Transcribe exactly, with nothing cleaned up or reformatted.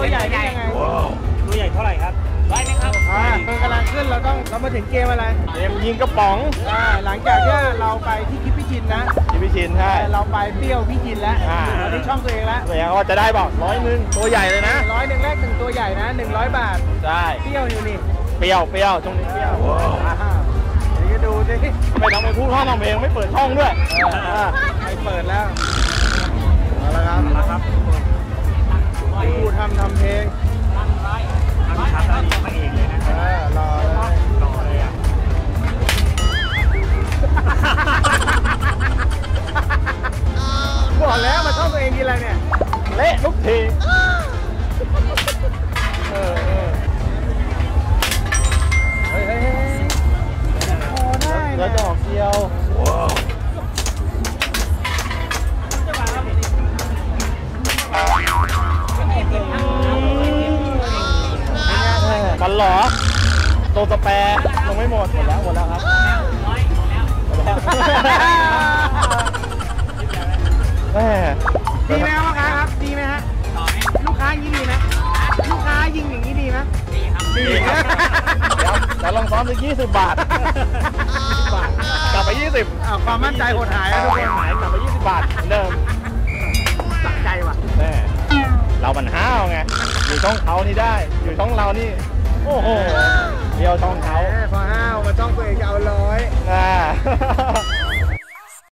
ตัวใหญ่นี่ยังไงตัวใหญ่เท่าไหร่ครับร้อยไหมครับอ่าเพิ่งกำลังขึ้นเราต้องเรามาถึงเกมอะไรเกมยิงกระป๋องอ่าหลังจากที่เราไปที่คิปพี่ชินนะคิปพี่ชินใช่เราไปเปรี้ยวพี่ชินแล้วเราที่ช่องตัวเองแล้วตัวเองก็จะได้บอกร้อยหนึ่งตัวใหญ่เลยนะร้อยหนึ่งแรกหนึ่งตัวใหญ่นะหนึ่งร้อยบาทใช่เปรี้ยวอยู่นี่เปรี้ยวเปรี้ยวตรงนี้เปรี้ยวเดี๋ยวดูสิไม่ต้องไปพูดห้องน้องเพลงไม่เปิดช่องด้วยไม่เปิดแล้วเอาละครับเอาละครับพูดทำทำเพลงทำชัดแล้วนี่มาเองเลยนะเออรอเลยรอเลยอ่ะบอกแล้วมาช่องตัวเองทีไรเนี่ยเละทุกทีเออเฮ้ยเฮ้ยพอได้แล้วจะออกเดียวมันหรอโตสแปร์ลงไม่หมดหมดแล้วหมดแล้วครับหมดแล้วแม่ดีไหมครับครับดีไหมฮะลูกค้ายิงดีไหมลูกค้ายิงอย่างนี้ดีไหมดีครับดีครับเดี๋ยวแต่ลองซ้อมสักยี่สิบบาทบาทกลับไปยี่สิบความมั่นใจหดหายแล้วทุกคนหายกลับไปยี่สิบบาทเหมือนเดิมสะใจว่ะแม่เรามันห้าวไงอยู่ช่องเขานี่ได้อยู่ช่องเรานี่โอ้โหเดียวช่องเขาพอห้าวมาช่องตัวเองจะเอาร้อยอ่า